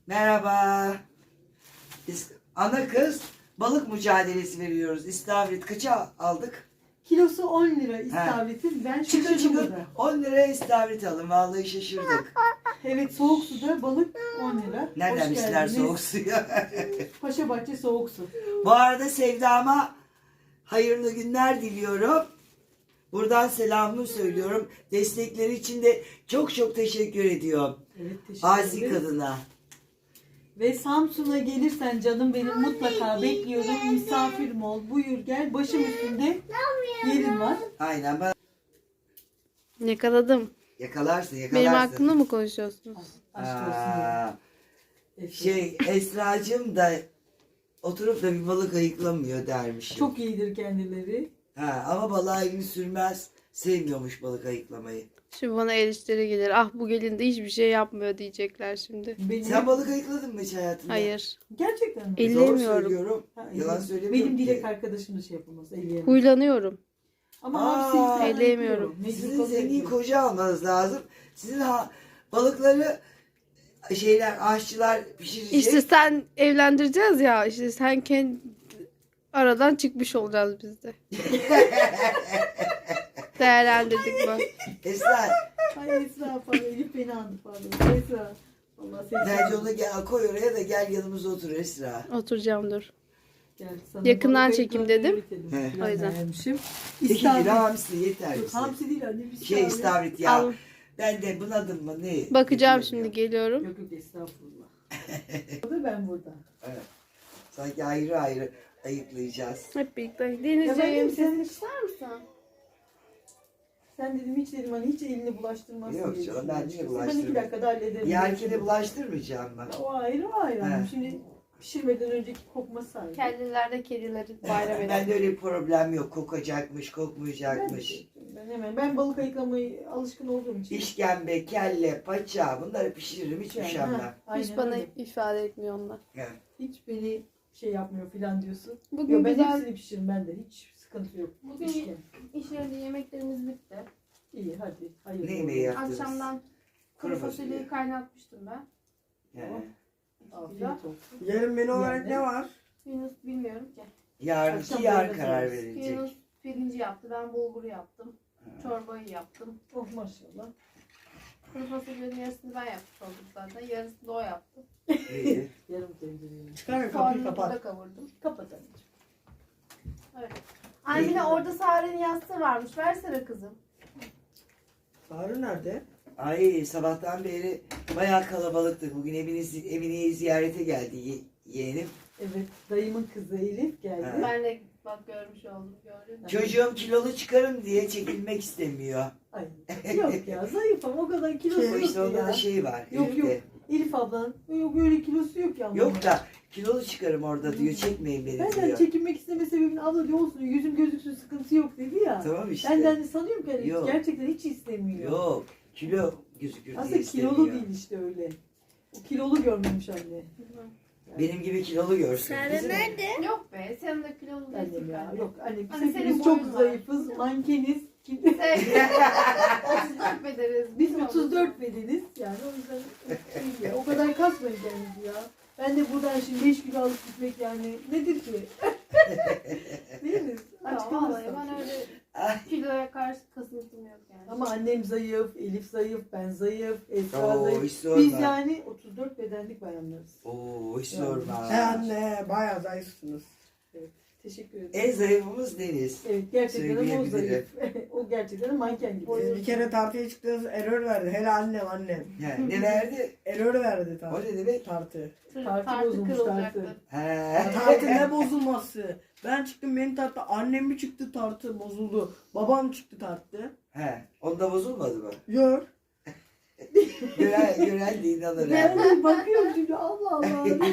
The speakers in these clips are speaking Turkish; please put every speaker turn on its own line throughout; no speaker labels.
Merhaba. Biz ana kız balık mücadelesi veriyoruz. İstavrit kaça aldık?
Kilosu 10 lira istavritin. Ben
Çıkın
şaşırdım
çıkın
burada.
10 liraya istavrit alın. Vallahi şaşırdık.
Evet, soğuk suda balık 10 lira.
Nereden
Hoş
bizler
geldiniz.
soğuk suyu?
Paşabahçe soğuk su.
Bu arada Sevda'ma hayırlı günler diliyorum. Buradan selamımı söylüyorum. Destekleri için de çok çok teşekkür ediyorum.
Evet, teşekkür
Asi
ederiz.
kadına.
Ve Samsun'a gelirsen canım benim mutlaka bekliyorum. Misafirim ol. Buyur gel. Başım üstünde yerin var.
Aynen ben
Yakaladım.
yakalarsın.
Benim hakkımda mı konuşuyorsunuz?
Aşk olsun. ya.
Esracığım da oturup da bir balık ayıklamıyor dermişim.
Çok iyidir kendileri.
Ama balığa elini sürmez. Sevmiyormuş balık ayıklamayı.
Şimdi bana eleştiri gelir. Ah bu gelin de hiçbir şey yapmıyor diyecekler şimdi.
Benim...
Sen balık ayıkladın mı hiç hayatında?
Hayır.
Gerçekten mi?
El-
Doğru
Ellemiyorum.
söylüyorum.
Ha,
Yalan
evet.
söylemiyorum
Benim
ki.
dilek arkadaşım da şey yapamaz. Elleyemez.
Huylanıyorum.
Ama
Aa,
hamsi falan
elleyemiyorum.
yapıyor. Mecbur
Sizin
kabul
zengin
ediyor.
koca almanız lazım. Sizin balıkları aşçılar pişirecek.
İşte sen evlendireceğiz ya. İşte sen kendi aradan çıkmış olacağız biz de. Değerlendirdik bu.
Esra,
Ay Esra pardon. Elif beni andı pardon. Esra. Allah seni
bence onu koy oraya da gel yanımıza otur Esra.
Oturacağım dur.
Gel, sana
Yakından
balık
çekim
ayıklarını
dedim.
öğretelim.
He.
Plan
O yüzden.
vermişim.
2
İstavrit.
kilo hamsi yeter
Yok,
bize.
hamsi değil anne. Bir
Şey istavrit ya.
Al.
Ben de bunadım mı ne?
Bakacağım
Bilmiyorum
şimdi
ya.
geliyorum.
Yok estağfurullah. Burada ben burada.
Evet. Sanki ayrı ayrı ayıklayacağız.
Hep birlikte.
Ya ben
Denizciğim
sen-
sen ister misin?
Sen dedim hiç dedim hani hiç elini bulaştırmazsın.
Yok
diye
canım, ben niye
düşünüyorum. Ben
bulaştırayım?
2 dakikada hallederim.
Yerkene bulaştırmayacağım ben.
O ayrı o ayrı.
He.
Şimdi pişirmeden önceki kokması ayrı.
Kendilerde kedileri bayram
Ben de öyle bir problem yok. Kokacakmış, kokmayacakmış.
Ben balık ayıklamayı alışkın olduğum için.
İşkembe, kelle, paça bunları pişiririm hiç
Yani,
üşenmem.
ha,
Hiç
aynen
bana
öyle.
ifade etmiyor onlar.
Evet.
Hiç beni şey yapmıyor filan diyorsun.
Bugün
Yok ben
güzel
hepsini pişiririm ben de. Hiç sıkıntı yok.
Bugün-
İşte.
iş yerinde yemeklerimiz bitti.
İyi hadi. Hayır.
Ne yemeği yaptınız?
Akşamdan kuru
Kuru fasulye.
fasulyeyi kaynatmıştım ben.
He.
Afiyet olsun.
Yarın menü olarak
Yani.
ne var?
Yunus bilmiyorum ki.
Yarınki
Akşam
yarın
böyle
karar
yaparız.
verilecek.
Yunus pirinci yaptı, ben bulguru yaptım. Çorbayı yaptım.
Oh maşallah.
Kuru fasulyenin yarısını ben yapmış oldum zaten. Yarısını da o yaptı.
İyi.
Yarım tencereyi.
Çıkar kapıyı
Soğanını
kapat.
da kavurdum.
Kapat anneciğim.
Öyle. Anne orada Sare'nin yastığı varmış. Versene kızım.
Sarı nerede?
Ay sabahtan beri bayağı kalabalıktık. Bugün Emine'yi ziyarete geldi yeğenim.
Evet dayımın kızı Elif geldi.
Ha.
Ben de bak görmüş oldum. Gördün mü?
Çocuğum kilolu çıkarım diye çekilmek istemiyor.
Ay yok ya zayıfım o kadar kilosu
Ama
yok
işte onda
ya.
da şey var.
Yok,
Elif'te.
yok. Elif ablan yok öyle kilosu yok ya.
Yok da kilolu çıkarım orada diyor. Çekmeyin beni
Benden
diyor.
çekinmek isteme sebebin abla diyor olsun yüzüm gözüksün sıkıntı yok dedi ya.
Tamam işte.
Benden de sanıyorum ki hani
Yok.
gerçekten hiç istemiyor.
Yok. Kilo gözükür diye
Aslında
istemiyor.
kilolu değil işte öyle. O kilolu görmemiş anne.
Benim gibi kilolu görsün. Bizim-
Yok be. Sen de kilolu
Annem
değilsin
ya.
bence.
Yok anne biz
Hani senin
hepimiz çok
boyun var.
zayıfız. Mankeniz.
Sen 34 bedeniz.
Biz 34 bedeniz. Yani o yüzden şey ya, o kadar kasmayın kendinizi ya. Ben de buradan şimdi 5 kilo alıp gitmek yani nedir ki? Değil mi? Aç
Tamam vallahi
kalırsın.
ben öyle
Ay.
kiloya karşı kasıntım yok yani.
Ama annem zayıf, Elif zayıf, ben zayıf, Esra
Oo,
zayıf.
hiç sorma.
Biz yani 34 bedenlik bayanlarız.
Oo hiç
Yani.
sorma.
He anne bayağı zayıfsınız.
Teşekkür ederim.
En zayıfımız Deniz.
Evet gerçekten ama o
Söyleyebilirim.
zayıf. O gerçekten manken gibi.
Bir kere tartıya çıktığınız error verdi. Hele annem.
Yani ne verdi?
Error verdi
O
tartı.
ne demek?
Tartı.
Tartı bozulmuş,
kırılacaktı.
He.
Tartı ne bozulması? Ben çıktım benim tartı. Annem mi çıktı tartı bozuldu. Babam çıktı tartı.
He. Onda bozulmadı mı?
Yok.
Gören de inanır.
Ben
ha.
de bakıyorum şimdi Allah Allah diyorum.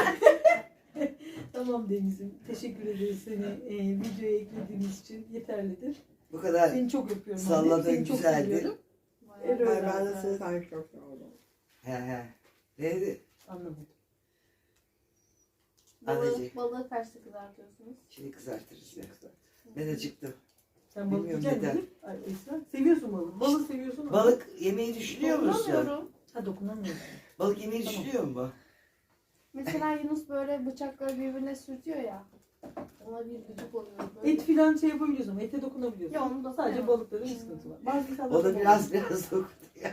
Tamam Deniz'im. Teşekkür ederiz seni videoya eklediğiniz için. Yeterlidir.
Bu kadar
Seni çok öpüyorum.
salladığın
anne. Seni çok
güzeldi.
seviyorum.
Bayağı.
Evet.
Ben de sizi tanışmak çok oldum.
He. Neydi?
Anlamadım.
Anneciğim.
Balığı kaçta kızartıyorsunuz?
Şimdi kızartırız ya. Ben acıktım.
Sen balık
Bilmiyorum
yiyeceksin
neden.
Elif. Ay Esra. Seviyorsun balık. Balık seviyorsun ama.
Balık yemeyi düşünüyor musun?
Dokunamıyorum.
Ha dokunamıyorsun.
Balık yemeyi
Tamam.
düşünüyor musun?
Mesela Yunus böyle bıçakları birbirine sürtüyor ya. Ona bir gıcık oluyor böyle.
Et filan şey yapabiliyorsun ama ete dokunabiliyorsun.
Ya onu da
Sadece
koyamam.
balıkların bir sıkıntı var. Bazı insanlar
O da biraz dokundu.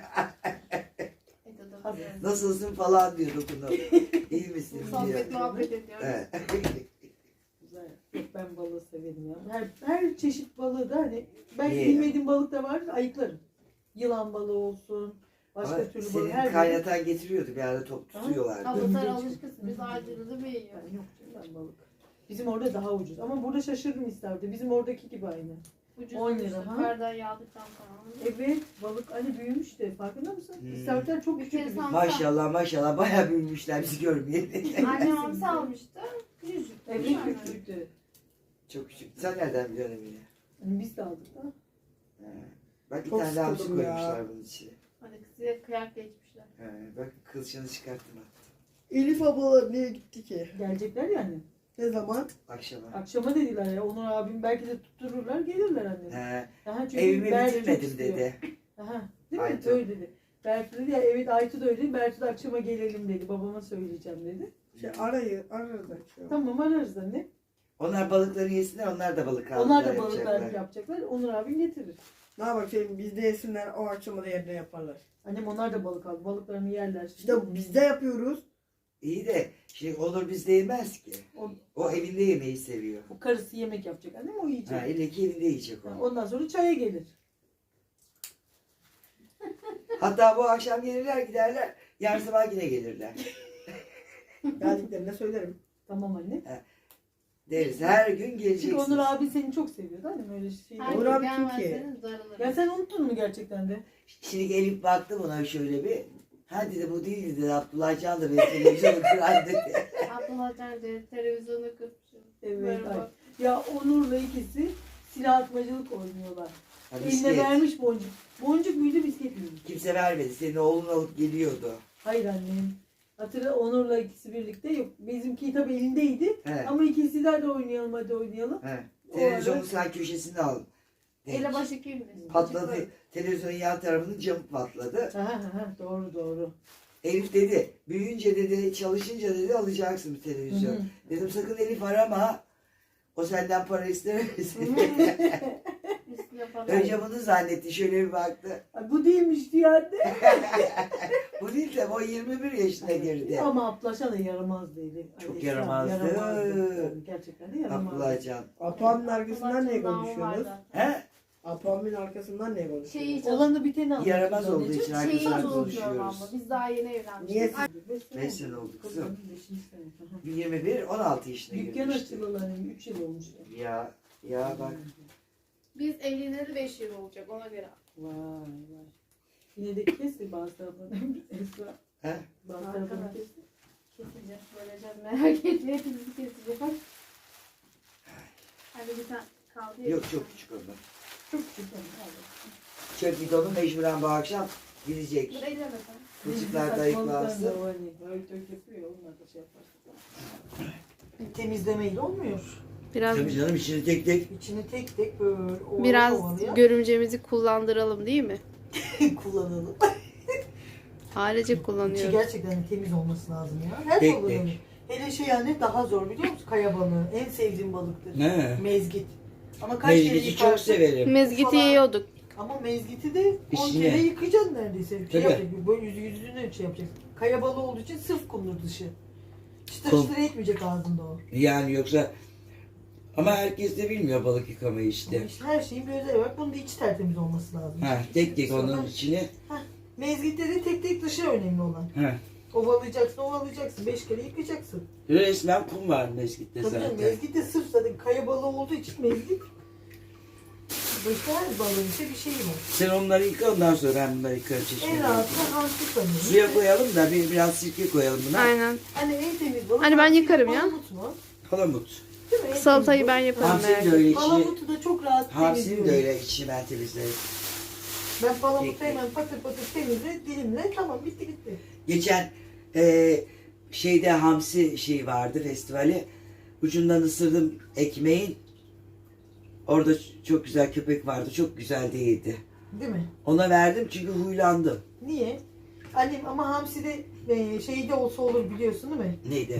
Ete
Hadi.
dokunuyor.
Nasılsın falan diyor dokunup. İyi misin diyor.
Sohbet muhabbet ediyoruz.
Evet.
Güzel. Yok, ben balığı severim ya. Her çeşit balığı da hani belki
Niye?
bilmediğim balık da var ayıklarım. Yılan balığı olsun. Başka
Ama
türlü balık.
senin
Her
kaynatan getiriyordu bir ara top tutuyorlardı.
Abla sen alışkısın. Biz acılığı mı yiyoruz?
Ben yok canım, ben balık. Bizim orada daha ucuz. Ama burada şaşırdım isterdi. Bizim oradaki gibi aynı.
Ucuz
10 lira,
ucuz.
ha?
Yukarıdan yağdıktan sonra.
Evet balık hani büyümüş de farkında mısın?
Hmm.
İstavritler çok
Bir
küçük.
kere
bir-
sen-
Maşallah maşallah bayağı büyümüşler bizi görmeyeli.
Anne hamsi almıştı. Yüzük.
Evet
Yani.
küçüktü.
Çok küçük. Sen nereden biliyorsun Emine?
Hani biz de aldık da.
He. Bak bir
Çok
tane daha hamsi
sıkıldım ya.
koymuşlar bunun içine.
Hadi size kıyak geçmişler.
He. Bak kılçığını çıkarttım ha.
Elif abla niye gitti ki?
Gelecekler yani.
Ne zaman?
Akşama.
Akşama dediler ya. Onur abim belki de tuttururlar gelirler anne.
He.
Aha, çünkü
Evimi
Bertu çok
bitirmedim
istiyor.
dedi.
Aha, değil mi?
Aytu.
Öyle dedi. Bertu dedi ya evet Aytu da öyle. Bertu da akşama gelelim dedi. Babama söyleyeceğim dedi.
Arada.
Tamam ararız anne.
Onlar balıkları yesinler, onlar da balık aldılar.
Onlar da balıklar yapacaklar. Onur abim getirir.
Ne yapayım bizde yesinler o akşama da yerine yaparlar.
Annem onlar da balık aldı. Balıklarını yerler.
İşte bizde yapıyoruz.
İyi de şimdi olur bizde yemez ki.
O,
O evinde yemeyi seviyor.
o karısı yemek yapacak annem o yiyecek.
Ha, ille ki evinde yiyecek
Ha,
o.
ondan sonra çaya gelir.
Hatta bu akşam gelirler giderler. Yarın sabah yine gelirler.
Geldiklerinde söylerim.
Tamam anne.
Deriz her gün
Çünkü
geleceksiniz.
Onur abi seni çok seviyordu annem öyle şey.
Her
Onur
gün
abi kim ki?
gelmezseniz darılırım.
Ya sen unuttun mu gerçekten de?
Şimdi Elif baktı buna şöyle bir. Ha dedi bu değil dedi. Abdullah Can da benim televizyonu kıran dedi.
Abdullah Can dedi televizyonu kırpmışım.
Evet.
Böyle
ay.
bak.
Ya Onur'la ikisi silah atmacılık oynuyorlar.
Ha,
Eline
bisiklet.
vermiş boncuk. Boncuk muydu bisiklet miydi?
Kimse vermedi. Senin oğlun alıp geliyordu.
Hayır annem. Hatırla Onur'la ikisi birlikte yok. Bizimki tabii elindeydi.
He.
Ama ikisi de hadi oynayalım hadi oynayalım.
He.
O
Televizyonun
arada-
sağ köşesini al.
Ele başı kimdir?
Patladı. Televizyonun yan tarafının camı patladı.
Ha, doğru doğru.
Elif dedi, büyüyünce dedi, çalışınca dedi alacaksın bir televizyon.
Hı hı.
Dedim sakın Elif arama. O senden para istemez.
Üstüne falan.
Önce bunu zannetti. Şöyle bir baktı.
Ay, bu değilmiş diyor anne.
Bu değil de o 21 yaşına girdi.
Ama Ablaşa da yaramaz dedi.
Çok
Esra,
yaramazdı.
Tabii, gerçekten de yaramazdı.
Abdullah Can.
Apo'nun arkasından niye
Abdullah Can'ın
konuşuyorsunuz?
namı var zaten.
He?
Apo'nun arkasından niye
Şeyi
konuşuyorsunuz?
hiç
Olanı biteni anlatıyoruz
Yaramaz olduğu
anneciğim.
için
Şeyi hiç
arkadaşlar
unutmuyorum abla.
konuşuyoruz.
Biz daha yeni evlenmiştik.
Niye
Ay,
5 sene oldu kızım.
Kızım, beşinci sene. Hı hı.
21, 16 yaşına
Dükkan
girmişti.
açılalı hani 3 yıl olmuş.
Ya bak.
Biz evleneli 5 yıl olacak ona göre.
Vay vay. Yine de kes bazı tarafını. Esra.
He?
Bazı tarafını
Arkadaş.
kes.
Keseceğiz. Böylece merak etme. Hepimizi keseceğiz. Hadi bir tane kaldı ya.
Yok çok küçük onlar.
Çok güzel.
Çöp bidonu mecburen bu akşam gidecek.
Dur eyleme sen.
Kılçıklar da yıklansın.
Böyle tök yapıyor. Onlar da şey yaparsın. Temizlemeyle olmuyor.
Biraz
Tabii canım içini tek tek.
İçini tek tek böyle ovala
biraz
ovalaya
görümcemizi kullandıralım değil mi?
kullanalım.
Ailece
İçi
kullanıyoruz.
gerçekten temiz olması lazım ya. Her
Tek
balığı
tek.
öyle. Hele şey yani daha zor biliyor musun? Kaya balığı. En sevdiğim balıktır.
Ne?
Mezgit. Ama kaç kere
Mezgiti çok
yıkarsın.
severim.
Mezgiti
Falan.
yiyorduk.
Ama mezgiti de 10
İçine.
kere yıkayacaksın neredeyse. Bir şey
Tabii.
yapacaksın. Böyle yüzüne şey yapacaksın. Kaya balığı olduğu için sırf kumdur dışı. Çıtır
Kum.
çıtır etmeyecek ağzında o.
Yani yoksa ama herkes de bilmiyor balık yıkamayı
Ama
işte.
işte her şeyin bir özelliği var. Bunun da içi tertemiz olması lazım.
Ha, tek tek
Sonra-
onun içine.
Mezgitte de tek tek dışı önemli olan.
Ha.
Ovalayacaksın. 5 kere yıkayacaksın.
Resmen kum var mezgitte
Tabii canım,
zaten.
mezgit de sırf zaten kaya balığı olduğu için mezgit. Başka her balığın işte bir şeyi var.
Sen onları yıka ondan sonra ben bunları yıkarım
En
çeşmede.
rahatı hamsi sanırım.
Suya koyalım da biraz sirke koyalım buna.
Aynen.
Hani en temiz balık.
Hani ben
hamsi,
yıkarım ya.
palamut mu?
Palamut.
Değil mi? En
Salatayı
temiz
ben
balık.
yaparım
Hamsinin
merak
de öyle
etme.
içi.
Palamutu da çok rahat
Hamsinin
temizliyorum.
de öyle içi ben temizlerim.
Ben palamutu
Peki.
hemen patır patır temizle, dilimle tamam bitti gitti.
Geçen şeyde hamsi şey vardı festivali. Ucundan ısırdım ekmeğin. Orada çok güzel köpek vardı. Çok güzel değildi.
Değil mi?
Ona verdim çünkü huylandım.
Niye? Annem ama hamsi de şeyde olsa olur biliyorsun değil mi?
Neydi?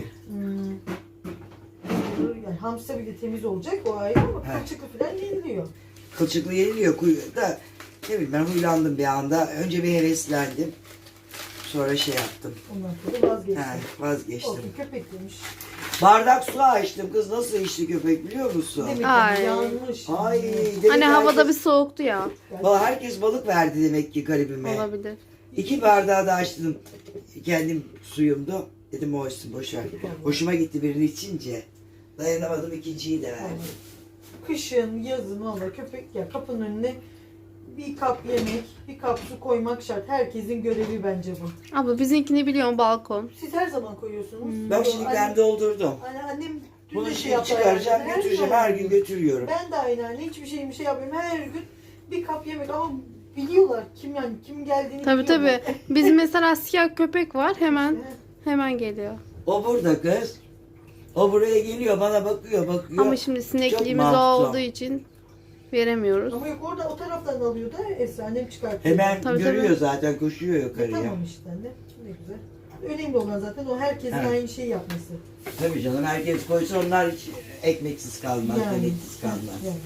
Yani hamsi bile temiz olacak o ayrı ama
He.
kılçıklı falan yeniliyor.
Kılçıklı yeniliyor da ne bileyim ben huylandım bir anda. Önce bir heveslendim. Sonra şey yaptım.
Ondan sonra vazgeçtim.
He, vazgeçtim.
Olsun köpek demiş.
Bardak su açtım. Kız nasıl içti köpek biliyor musun?
Demek
Ay.
ki yanmış.
Ay.
Hani havada bir soğuktu ya.
Herkes balık verdi demek ki garibime.
Olabilir.
2 bardağı da açtım. Kendim suyumdu. Dedim o olsun boşver. Hoşuma gitti birini içince. Dayanamadım ikinciyi de verdim.
Kışın, yazın valla köpek ya kapının önüne bir kap yemek, bir kap su koymak şart. Herkesin görevi bence bu.
Abla bizimkini biliyorsun balkon.
Siz her zaman koyuyorsunuz.
Bak şimdi ben doldurdum.
Annem dün
Bunu
de şey
şimdi
yaptı.
çıkaracağım
herhalde.
götüreceğim.
zaman
Her gün götürüyorum.
Ben de aynı anne hiçbir şey yapmıyorum. Her gün bir kap yemek ama biliyorlar kim geldiğini
Tabii
biliyorlar.
tabii. Bizim mesela siyah köpek var. Hemen geliyor.
O burada kız. O buraya geliyor bana bakıyor.
Ama şimdi sinekliğimiz
masum.
olduğu için veremiyoruz.
Ama yok orada o taraftan alıyor da Esra annem çıkartıyor.
Hemen
Tabii,
görüyor
tabii.
zaten koşuyor yukarıya.
Tamam işte anne. Ne güzel. Önemli olan zaten o herkesin
Evet.
aynı şeyi yapması.
Tabii canım herkes koysa onlar hiç ekmeksiz kalmaz,
Yani.
deneksiz kalmaz.
Yani.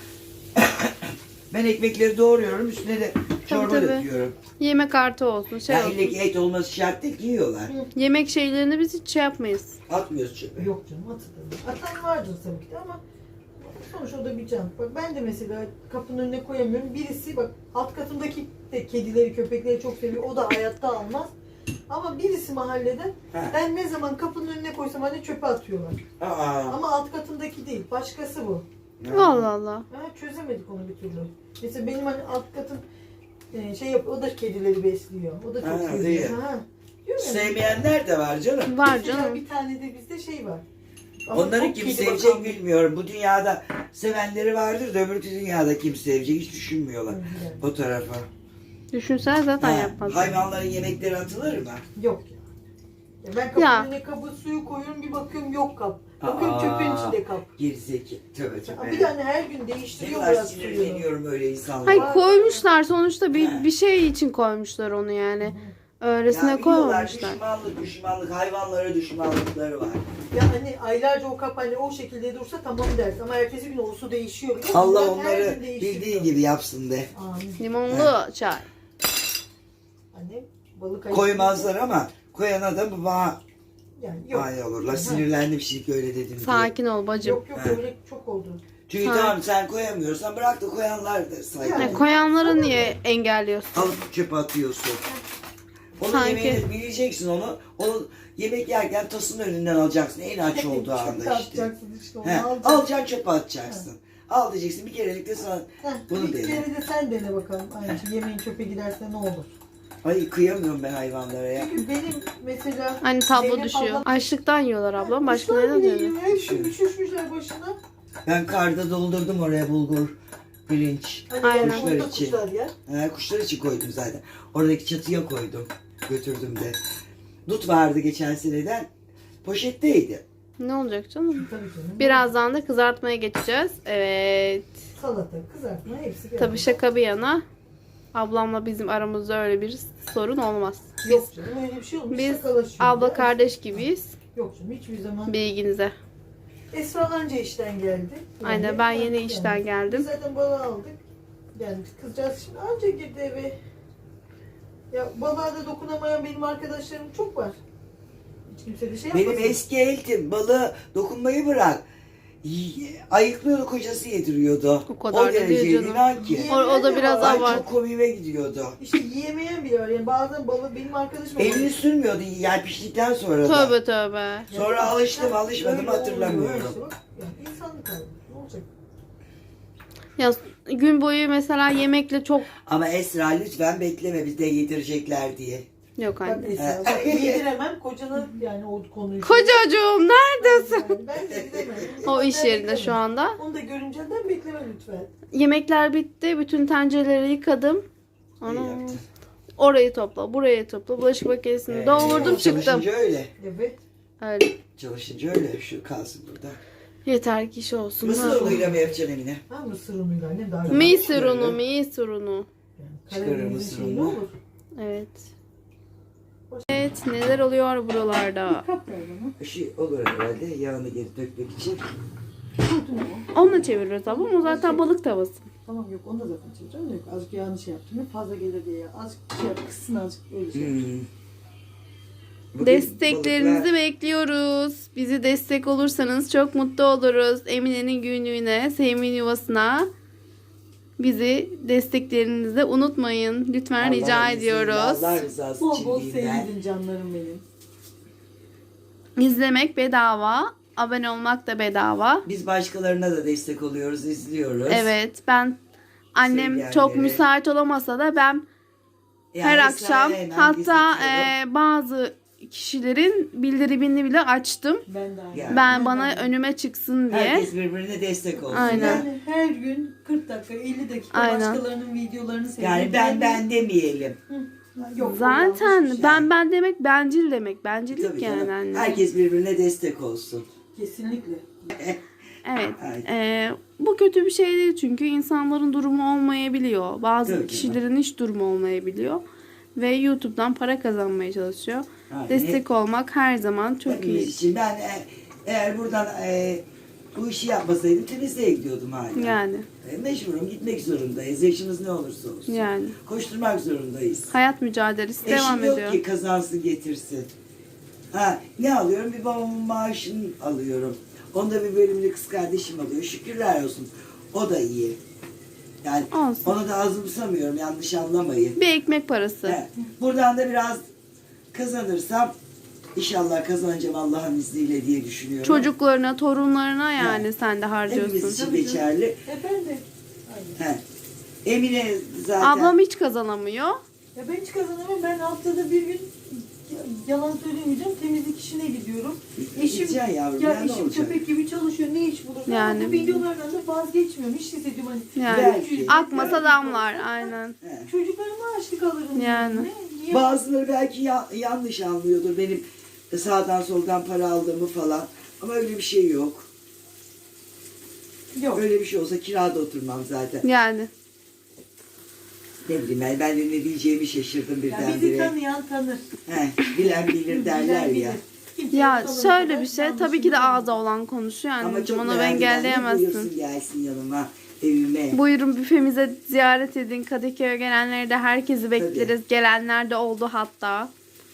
Ben ekmekleri doğruyorum üstüne de çorba
tabii.
döküyorum.
Yemek artı olsun. Şey
Yani
olsun.
ille ki et olması şart değil ki yiyorlar.
Yemek şeylerini biz hiç şey yapmayız.
Atmıyoruz çöpe.
Yok canım atılır. Atan vardır tabii ki de ama sonuç o da bir can. Bak ben de mesela kapının önüne koyamıyorum. Birisi bak alt katındaki de kedileri köpekleri çok seviyor. O da hayatta almaz. Ama birisi mahallede ben ne zaman kapının önüne koysam hani çöpe atıyorlar.
Aa.
Ama alt katındaki değil. Başkası bu.
Allah Allah.
Ha, çözemedik onu bir türlü. Mesela benim hani alt katım şey yapıyor. O da kedileri besliyor. O da çok
Ha,
seviyor.
iyi.
Ha. Diyorum ya,
Sevmeyenler de var canım.
Var
mesela
canım.
bir tane de bizde şey var. Ama
Onları
çok
kim
kedi
sevecek
bakan bir-
bilmiyorum. Bu dünyada sevenleri vardır da öbür dünyada kim sevecek hiç düşünmüyorlar
Yani.
o tarafa.
Düşünsene zaten
Ha,
yapmaz.
hayvanların yemekleri atılır mı?
Yok ya. Ya ben kapının
Ya.
önüne kabı suyu koyuyorum bir bakıyorum yok kap. Bakıyorum çöpün içinde kap.
Gerizeki. Tövbe
Ya
tövbe.
bir de hani her gün
Ne
değiştiriyor
kadar
biraz suyu.
sinirleniyorum öyle insanlara.
Hayır koymuşlar sonuçta
Ha.
bir şey için koymuşlar onu yani. Öylesine
Ya biliyorlar,
koymamışlar.
düşmanlık, hayvanlara düşmanlıkları var.
Ya hani aylarca o kap hani o şekilde dursa tamam dersin ama ertesi gün o su değişiyor. biliyor musun?
Allah
Ben her
onları
gün değiştiriyor.
bildiği gibi yapsın de.
Amin.
Limonlu çay.
Annem balık ayı-
Koymazlar ama koyana da bu bana
Yani yok.
mani olurlar.
Ha.
Sinirlendim şimdi öyle dedim diye.
Sakin ol bacım.
Yok
Ha.
öyle çok oldu.
Çünkü
Ha.
tamam sen koyamıyorsan bırak da koyanlar da saygı.
Yani.
Koyanları niye engelliyorsun?
Alıp çöpe atıyorsun. Onu
Sanki.
yemeğini bileceksin onu. Onu yemek yerken tasın önünden alacaksın en aç olduğu
Çöpe
anda işte.
atacaksın işte onu
He,
alacaksın.
alacaksın çöpe atacaksın. Al diyeceksin bir kerelik de sana
Heh,
bunu
bir
dene.
kere de sen dene bakalım. Aynı şey yemeğin çöpe giderse ne olur?
Ay kıyamıyorum ben hayvanlara ya.
Çünkü benim mesela
Hani tablo
Zeynep
düşüyor.
ablam-
Açlıktan yiyorlar ablam. Başka
Kuşlar
neden
bile
yiyor?
yiyor. Hepsi üşüşmüşler başına.
Ben karda doldurdum oraya bulgur, pirinç.
Hani
Aynen.
yani
Kuşlar
orada
için.
kuşlar yer.
Kuşlar için koydum zaten. Oradaki çatıya koydum. Götürdüm de. Dut vardı geçen seneden. Poşetteydi.
Ne olacak canım?
Tabii canım.
Birazdan da kızartmaya geçeceğiz. Evet.
Salata, kızartma hepsi geldi.
Tabii şaka bir yana. Ablamla bizim aramızda öyle bir sorun olmaz.
Yok canım öyle bir şey olmuş.
Biz
şakalaşıyoruz
abla
ya.
kardeş gibiyiz.
Yok canım hiçbir zaman.
Bilginize.
Esra anca işten geldi.
Aynen ben yeni işten
Biz
geldim.
zaten balığı aldık. Yani kızcağız şimdi anca girdi eve. Ya balığa da dokunamayan benim arkadaşlarım çok var. Hiç kimse de şey
Benim
yapmasın.
eski eltim balığı dokunmayı bırak. Ayıklıyordu kocası yediriyordu.
O kadar da
derece
değil canım.
inan ki.
O da biraz
Ay
abart.
çok komiğime gidiyordu.
İşte yiyemeyen bile var. Yani bazen balığı benim arkadaşım
Elini sürmüyordu yani piştikten sonra da.
Tövbe tövbe.
Sonra alıştım alışmadım
Öyle oluyor
hatırlamıyorum.
işte bak. Yani insanlık hali. Ne olacak?
Ya gün boyu mesela yemekle çok
Ama Esra lütfen bekleme biz de yedirecekler diye.
yok
Bak
anne.
Esra bak yediremem kocana yani o konuyu.
Kocacığım neredesin?
Yani ben yediremem.
O iş
Ben
yerinde
beklemem.
şu anda.
Onu da görümcenden bekleme lütfen.
Yemekler bitti. Bütün tencereleri yıkadım.
İyi
Ana.
yaptın.
Orayı topla, burayı topla. Bulaşık makinesini doldurdum çıktım.
Çalışınca öyle.
Evet.
Öyle.
Çalışınca öyle. Şu kalsın burada.
Yeter ki iş olsun.
Mısır unuyla mı yapacaksın Emine?
Ha mısır unuyla annem daha
Mısır unu, mısır unu.
Yani
Çıkarır
Karadeniz'in
mısır
şeyi ne
unu.
olur?
Evet. Evet, neler oluyor buralarda?
Kap ver bana.
Şey olur herhalde yağını geri dökmek için.
Kurtun o.
Onunla çeviriyoruz ama o zaten balık tavası.
Tamam yok onu da zaten çevireceğim de yok. Azıcık yağını şey yaptım. Fazla gelir diye. Azıcık şey yap. Kıssın azıcık öyle şey.
Hmm. Bugün
Desteklerinizi
balıklar-
bekliyoruz. Bizi destek olursanız çok mutlu oluruz. Emine'nin günlüğüne, Sevim'in yuvasına bizi desteklerinizi unutmayın. Lütfen
Allah
rica
izniyle,
ediyoruz.
Allah rızası
Bol
için
bol
diyeyim ben.
seyredin canlarım benim.
İzlemek bedava. Abone olmak da bedava.
Biz başkalarına da destek oluyoruz, izliyoruz.
Evet, ben annem
Sevgenleri.
çok müsait olamasa da ben
Yani
her
Esra'ya
akşam
hemen
hatta
izletiyorum.
bazı kişilerin bildirimini bile açtım.
Ben de aynı.
Yani.
Ben bana önüme çıksın diye.
Herkes birbirine destek olsun.
Aynen.
Yani her gün 40 dakika 50 dakika
Aynen.
başkalarının videolarını seyrediyorum.
Yani ben demeyelim.
Yok,
Zaten
yanlış bir şey.
ben demek bencil demek. Bencillik
Tabii
yani
canım.
anne.
Herkes birbirine destek olsun.
Kesinlikle.
Evet.
Aynen.
Bu kötü bir şey değil çünkü insanların durumu olmayabiliyor. Bazı
Tabii
kişilerin hiç durumu olmayabiliyor. Ve YouTube'dan para kazanmaya çalışıyor.
Aynen.
Destek olmak her zaman çok
Hepimiz
iyi.
için ben eğer buradan bu işi yapmasaydım temizliğe gidiyordum hala.
Yani.
Mecburum gitmek zorundayız. Yaşımız ne olursa olsun.
Yani.
Koşturmak zorundayız.
Hayat mücadelesi devam
Eşim yok
ediyor.
ki kazansın getirsin. Ha, ne alıyorum? Bir babamın maaşını alıyorum. Onda bir bölümünü kız kardeşim alıyor. Şükürler olsun. O da iyi. Yani
Olsun.
onu da azımsamıyorum. Yanlış anlamayın.
Bir ekmek parası.
He, buradan da biraz kazanırsam inşallah kazanacağım Allah'ın izniyle diye düşünüyorum.
Çocuklarına, torunlarına yani sen de harcıyorsun.
Hepimiz için
Tabii
geçerli.
Ben de. Aynen.
He. Emine zaten
Ablam hiç kazanamıyor.
Ya ben hiç kazanamam. Ben haftada bir gün yalan söylemeyeceğim. Temizlik işine gidiyorum. Eşim
Gideceksin yavrum,
ya
ya ne
eşim
olacak?
köpek gibi çalışıyor. Ne iş bulursa.
Yani.
Bu videolardan da vazgeçmiyorum. Hiç hissediyorum hani.
Yani
Belki.
akmasa damlar aynen.
he.
Çocuklarıma açlık alırım.
Yani.
Ne? Niye?
Bazıları belki yanlış anlıyordur benim sağdan soldan para aldığımı falan. Ama öyle bir şey yok.
Yok.
Öyle bir şey olsa kirada oturmam zaten.
Yani.
Ne bileyim ben de ne diyeceğimi şaşırdım
Ya bizi
birdenbire.
tanıyan tanır.
He, bilen bilir derler
Bilen
ya.
bilir. Kimse
Ya
yok,
şöyle
olana
bir şey
kadar
tabii ki de
yanlışını
ağza olan konuşuyor
Ama
anneciğim,
çok
onu
merak eden de
engelleyemezsin.
buyursun gelsin yanıma, evime.
Buyurun büfemize ziyaret edin. Kadıköy'e gelenleri de herkesi bekleriz. Gelenler de oldu hatta.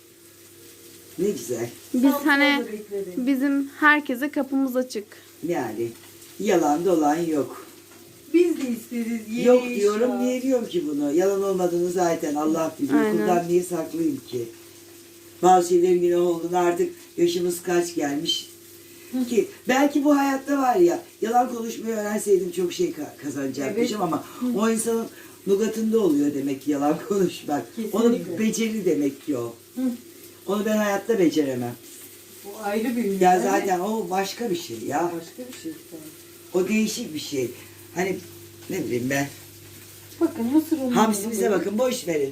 Ne güzel.
Biz
Samsun'da
hani
da beklerim.
bizim herkese kapımız açık.
Yani yalan dolan yok.
Biz de isteriz.
Yok diyorum, niye diyorum ki bunu? Yalan olmadığını zaten Allah biliyor.
Aynen.
Kuldan niye saklayayım ki? Bazı şeylerin günah olduğunu artık yaşımız kaç gelmiş. Ki belki bu hayatta var ya, yalan konuşmayı öğrenseydim çok şey kazanacakmışım ama o insanın lugatında oluyor demek ki yalan konuşmak. Onun
Kesinlikle.
beceri demek ki o.
Hı.
Onu ben hayatta beceremem.
Bu ayrı bir ünlü.
Ya zaten o başka bir şey ya.
Başka bir şey.
O değişik bir şey. Hani ne bileyim ben.
Bakın mısır unu.
Hamsimize bakın, boş verin.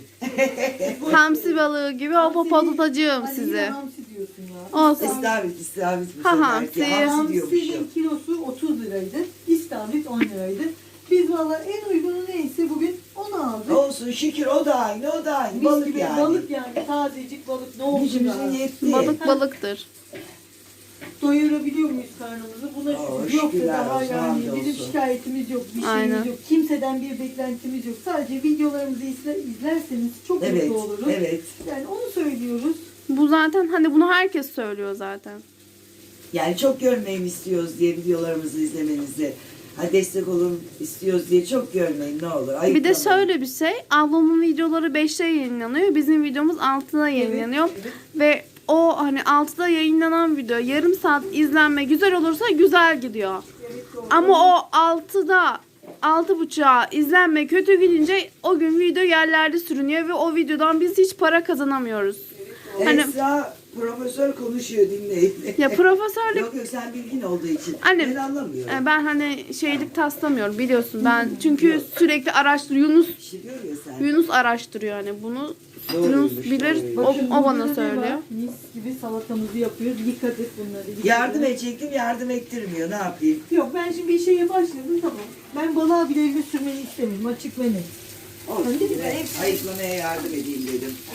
Hamsi balığı gibi o patlatacağım
Hani yine
sizi.
hamsi diyorsun ya.
Olsun.
İstavrit bu
Ha,
sefer
hamsi.
ki. Hamsi diyormuşum.
Hamsinin kilosu 30 liraydı. İstavrit 10 liraydı. Biz valla en uygunu neyse bugün onu aldık.
Olsun şükür, o da aynı, o da aynı.
Mis
Balık
gibi
yani.
balık yani. Tazecik balık ne olsun
Gücümüzün
ya.
yetti.
Balık balıktır.
Doyurabiliyor muyuz karnımızı? Buna
Oo,
şükür. Yoksa
şükürler
daha
olsun,
yani
hamdolsun.
bizim şikayetimiz yok. Bir şeyimiz
Aynen.
yok. Kimseden bir beklentimiz yok. Sadece videolarımızı izlerseniz çok
Evet,
mutlu oluruz.
evet.
Yani onu söylüyoruz.
Bu zaten hani bunu herkes söylüyor zaten.
Yani çok görmeyin istiyoruz diye videolarımızı izlemenizi. Ha destek olun istiyoruz diye çok görmeyin ne olur.
Bir de
Ayıplamayın.
şöyle bir şey. Ablamın videoları 5'te yayınlanıyor. Bizim videomuz 6'da yayınlanıyor.
Evet.
Ve o hani 6'da yayınlanan video yarım saat izlenme güzel olursa güzel gidiyor.
Evet, doğru.
Ama o 6'da 6.30'a izlenme kötü gidince o gün video yerlerde sürünüyor ve o videodan biz hiç para kazanamıyoruz. Hani-
Esra profesör konuşuyor dinleyin.
Ya profesörlük
Yok yok sen bilgin olduğu için.
Annem,
Ben anlamıyorum.
ben hani şeylik taslamıyorum biliyorsun. Ben çünkü sürekli Yunus
İşte diyor ya sen.
Yunus araştırıyor hani bunu.
Doğruymuş,
Yunus bilir.
doğruymuş.
O,
Bakın
o
burada
bana
ne
söylüyor.
var? Mis gibi salatamızı yapıyoruz. Yıkadık bunları. Yıkadık.
Yardım edecektim, yardım ettirmiyor. Ne yapayım?
Yok ben şimdi bir şeye başladım tamam. Ben balığa bile elimi sürmeni istemiyorum. Açık ve net.
Olsun.
Öyle mi?
Ayıklamaya yardım edeyim dedim.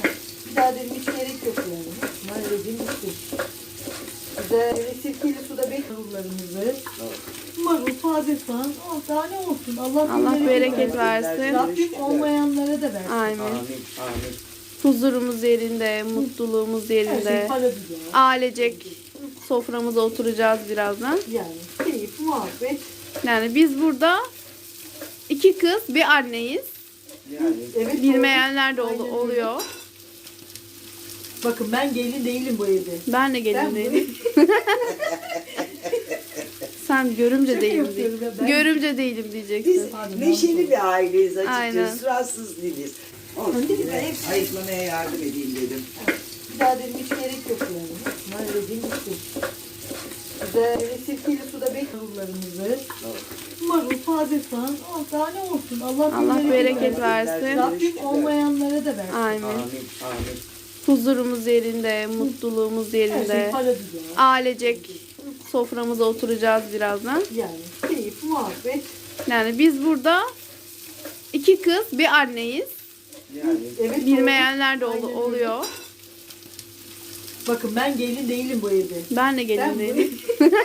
Bir daha dedim hiç gerek yok yani. Bunlar dediğim bitti. Güzel böyle sirkeli suda marullarımızı. Marul, taze soğan. Oh, daha ne olsun.
Allah bereket
versin.
versin.
Rabbim olmayanlara da versin.
Amin.
Amin. Amin.
Huzurumuz yerinde, mutluluğumuz
Her şey
yerinde.
para güzel.
Ailecek soframıza oturacağız birazdan.
Yani keyif, muhabbet.
Yani biz burada 2 kız, bir anneyiz.
Yani
Evet,
Bilmeyenler de
Aynen öyle.
oluyor.
Bakın ben gelin değilim bu evde.
Ben de
Ben
gelin
bu
değilim. Sen görümce
Şaka
değilim
yapıyorum ya,
diye.
ben-
Görümce değilim
biz
diyeceksin.
Pardon,
neşeli bir aileyiz
Aynen.
açıkçası. Suratsız değiliz. Olsun
Öyle mi?
yine
Hepsi-
ayıklamaya yardım edeyim dedim.
Bir daha dedim hiç gerek yok yani. Bunlar dediğim bitti. Güzel böyle sirkeli suda marullarımızı. Marul, taze soğan. Oh, daha ne olsun.
Allah bereket versin.
Rabbim olmayanlara da versin.
Amin.
Amin. Amin.
Huzurumuz yerinde, mutluluğumuz
Her şey
yerinde.
para güzel.
Ailecek soframıza oturacağız birazdan.
Yani keyif, muhabbet.
Yani biz burada 2 kız, bir anneyiz.
Yani
Evet,
Bilmeyenler de
Aynen öyle.
oluyor.
Bakın ben gelin değilim bu evde.
Ben de
Ben
gelin
bu-
değilim.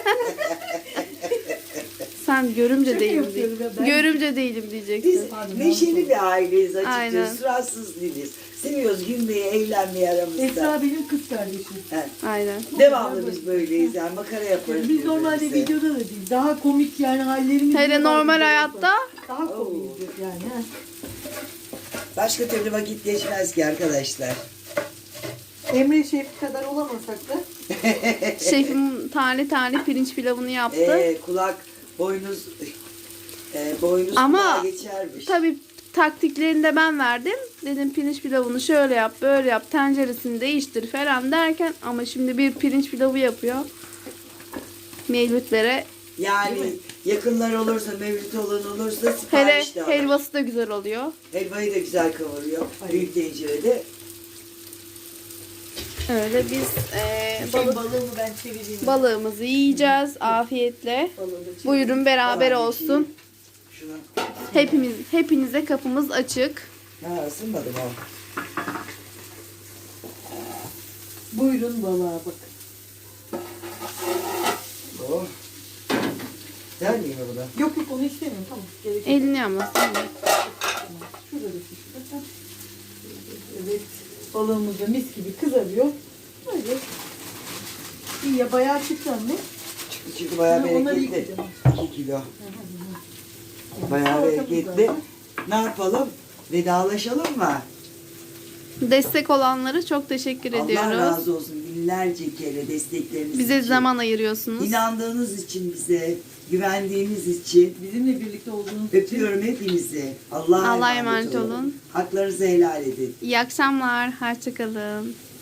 Sen görümce
Şaka
değilim
yapıyorum
diye.
ya, ben-
Görümce değilim
biz
diyeceksin.
Pardon,
neşeli bir aileyiz açıkçası.
Aynen.
Suratsız değiliz. Seviyoruz gülmeyi, eğlenmeyi aramızda.
Esra benim kız kardeşim.
Evet.
Aynen.
Devamlı biz böyleyiz yani makara yaparız.
Biz normalde
birbirimize.
videoda da değil. Daha komik yani hallerimiz.
Hele
var
normal
videoda.
hayatta
Daha komiktir yani. Ha.
Başka türlü vakit geçmez ki arkadaşlar.
Emre Şef kadar olamasak da
şefim tane tane pirinç pilavını yaptı.
Kulak, boynuz, boynuz
Ama
kulağa geçermiş.
Tabii taktiklerini de ben verdim. Dedim pirinç pilavını şöyle yap, böyle yap, tenceresini değiştir falan derken ama şimdi bir pirinç pilavı yapıyor. Mevlütlere.
Yani yakınlar olursa, mevlüt olan olursa
Hele
sipariş de alır.
helvası da güzel oluyor.
Helvayı da güzel kavuruyor.
Aynen.
Büyük tencerede.
Öyle biz
balığımı ben çevireyim.
balığımızı yiyeceğiz afiyetle.
Balığı da çevireyim.
Buyurun beraber
Tamam,
olsun.
Şuna.
Hepinize kapımız açık.
Ha ısınmadım o.
Buyurun balığa bak.
Oh. Güzel miyim bu da?
Yok yok onu istemiyorum tamam. Gerek yok.
Elini yanmasın.
Şurada da şurada. Evet. Balığımız da mis gibi kızarıyor. Böyle. İyi ya bayağı çıktı anne.
Çıktı çünkü bayağı
Ha, onları
bereketli.
yıkayacağım.
2 kilo. Bayağı
Salatamız
bereketli.
var.
Ne yapalım? Vedalaşalım mı?
Destek olanlara çok teşekkür
Allah
ediyoruz.
razı olsun. Binlerce kere destekleriniz
Bize
için.
zaman ayırıyorsunuz.
İnandığınız için bize, güvendiğiniz için.
Bizimle birlikte olduğunuz için
Öpüyorum hepinizi. Allah'a
Allah'a
emanet
emanet olun.
Haklarınızı helal edin.
İyi akşamlar. Hoşçakalın.